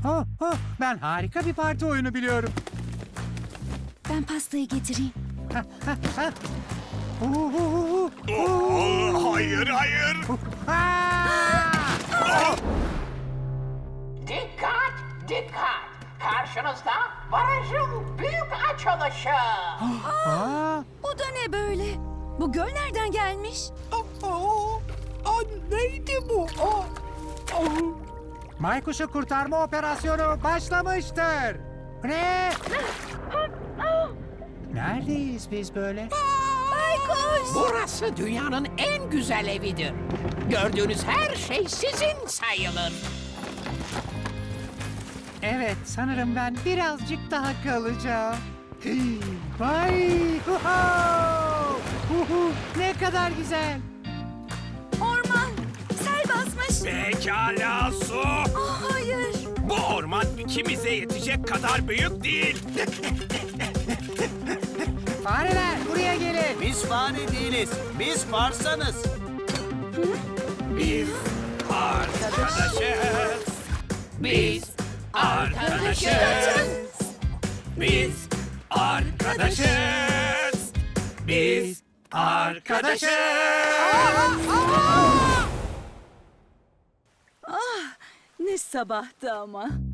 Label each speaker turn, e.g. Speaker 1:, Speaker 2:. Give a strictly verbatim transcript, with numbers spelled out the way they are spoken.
Speaker 1: Oh, oh, ben harika bir parti oyunu biliyorum.
Speaker 2: Ben pastayı getireyim.
Speaker 1: Uh, uh, uh, uh.
Speaker 3: Oo, hayır, hayır.
Speaker 1: Aa!
Speaker 4: Dikkat, dikkat. Karşınızda barajın büyük açılışı.
Speaker 1: Aa!
Speaker 2: Bu da ne böyle? Bu göl nereden gelmiş?
Speaker 3: Neydi bu? Aa, aa.
Speaker 1: Maykuş'u kurtarma operasyonu başlamıştır. Ne? Neredeyiz biz böyle?
Speaker 2: Baykuş!
Speaker 4: Burası dünyanın en güzel evidir. Gördüğünüz her şey sizin sayılır.
Speaker 1: Evet, sanırım ben birazcık daha kalacağım. Vay! Uhu! Uhu! Ne kadar güzel.
Speaker 2: Orman! Sel basmış.
Speaker 3: Pekala su.
Speaker 2: Ah, hayır.
Speaker 3: Bu orman ikimize yetecek kadar büyük değil.
Speaker 1: Fareler buraya gelin.
Speaker 5: Biz fare değiliz. Biz farsanız.
Speaker 3: Biz arkadaşız. Biz arkadaşız. Biz arkadaşız. Biz arkadaşız.
Speaker 2: Ne sabahtı ama.